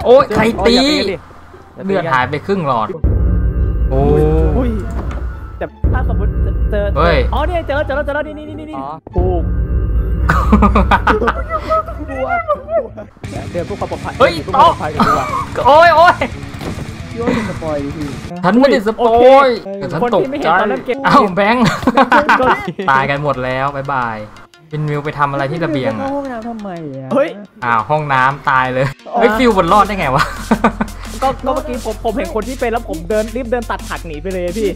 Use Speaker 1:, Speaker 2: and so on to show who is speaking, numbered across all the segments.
Speaker 1: โอ้ยใครตีเลือดหายไปครึ่งหลอดโอ้ย
Speaker 2: แต่ถ้าสมมติเจออ๋อเนี่ยเจอแล้วนี่ถูกเดินพวกความปลอดภัย
Speaker 1: เฮ้ยต่อโอ้ยฉันไม่ได้สปอยฉันตกใจอ้าวแบงค์ตายกันหมดแล้วบ๊ายบายเป็นมิวไปทำอะไรที่ระเบียงอะ
Speaker 3: ห้องน้ำทำไมอ่ะ
Speaker 2: เฮ้ย
Speaker 1: อ้าวห้องน้ำตายเลยเฮ้ยฟิวบนรอดได้ไงวะ
Speaker 2: ก็เมื่อกี้ผมเห็นคนที่เป็นแล้วผมรีบเดินตัดผักหนีไปเลยพี่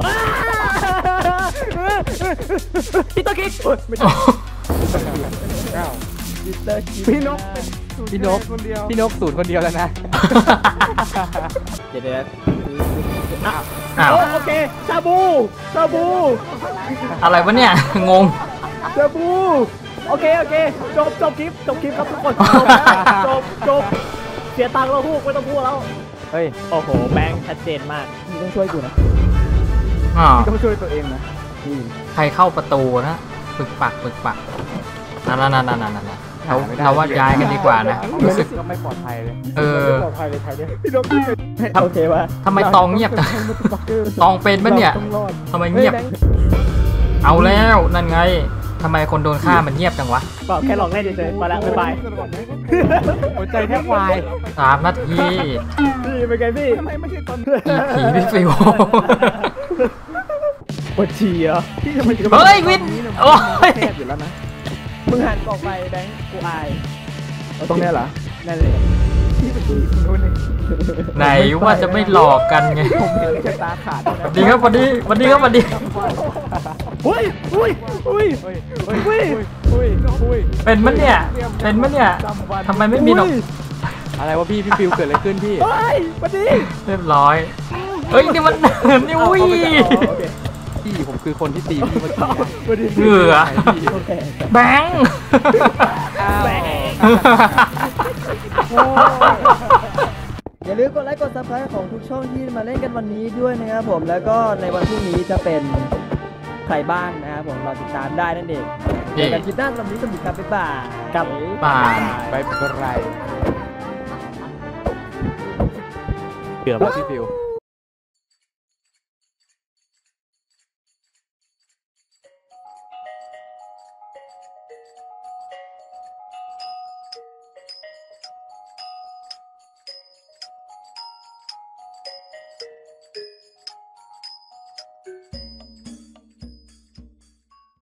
Speaker 2: พี่ตัวกิ๊ก
Speaker 3: พี่นกสูตรคนเดียวแล้วนะ
Speaker 2: เดี๋ยวโอเคชาบู
Speaker 1: อะไรวะเนี่ยงง
Speaker 2: ชาบูโอเคจบคลิปครับทุกคนจบเสียตังค์แล้วพูดไม่ต้องพูดแล้ว
Speaker 3: เฮ้ย
Speaker 2: โอ้โหแบงค์ชัดเจนมาก
Speaker 3: มึงต้องช่วยกูนะต้องช่วยตัวเองนะ
Speaker 1: ใครเข้าประตูนะปึกปักนั่นเราว่าย้ายกันดีกว่านะรู้สึก
Speaker 3: ก็ไม่ปลอดภัยเลย
Speaker 2: ปลอดภัยเลยใครเนี่ยพี่นกโอเควะ
Speaker 1: ทำไมตองเงียบจังตองเป็นปะเนี่ยทำไมเงียบเอาแล้วนั่นไงทำไมคนโดนฆ่ามันเงียบจังวะ
Speaker 2: ก็แค่ลองเล่นเฉยๆไปละบ๊ายบาย
Speaker 3: หัวใจแทบวาย
Speaker 1: 3 นาที
Speaker 2: พี่เป็นไงพี่
Speaker 3: ไม่ใช่ตอน
Speaker 1: ผีพี่ฟิว
Speaker 2: ปวดฉี่เหรอพี่ทำไม
Speaker 1: เฮ้ยวินโอ้ย
Speaker 3: แทบอยู่แล้วนะ
Speaker 2: มึงหันออกไปแบงค์กูอาย
Speaker 3: ตรงนี้เหรอ
Speaker 2: นั่นเลย
Speaker 3: พี่เป็นคนนู้นเลย
Speaker 1: ไหนว่าจะไม่หลอกกันไง
Speaker 3: ผมเห็นแค่ตาขาด
Speaker 1: ดีครับวันนี้เป็นมั้ยเนี่ยทำไมไม่มีหรอก
Speaker 3: อะไรวะพี่ฟิวเกิดอะไรขึ้นพี่
Speaker 2: วันนี้
Speaker 1: เรียบร้อยเฮ้ยนี่มันนี่อุ้ย
Speaker 3: พี่ผมคือคนที่ตีพี่เมื่อกี้
Speaker 1: เหงื่อแบงค์
Speaker 3: อย่าลืมกดไลค์กด Subscribe ของทุกช่องที่มาเล่นกันวันนี้ด้วยนะครับผมแล้วก็ในวันพรุ่งนี้จะเป็นใครบ้างนะครับผมรอติดตามได้นั่นเองเจอกันคลิปหน้าสำหรับนี้สวัสดีครับบ๊ายบาย
Speaker 2: กับ
Speaker 1: บ๊าย
Speaker 3: บายเกือบแล้วพี่ฟิว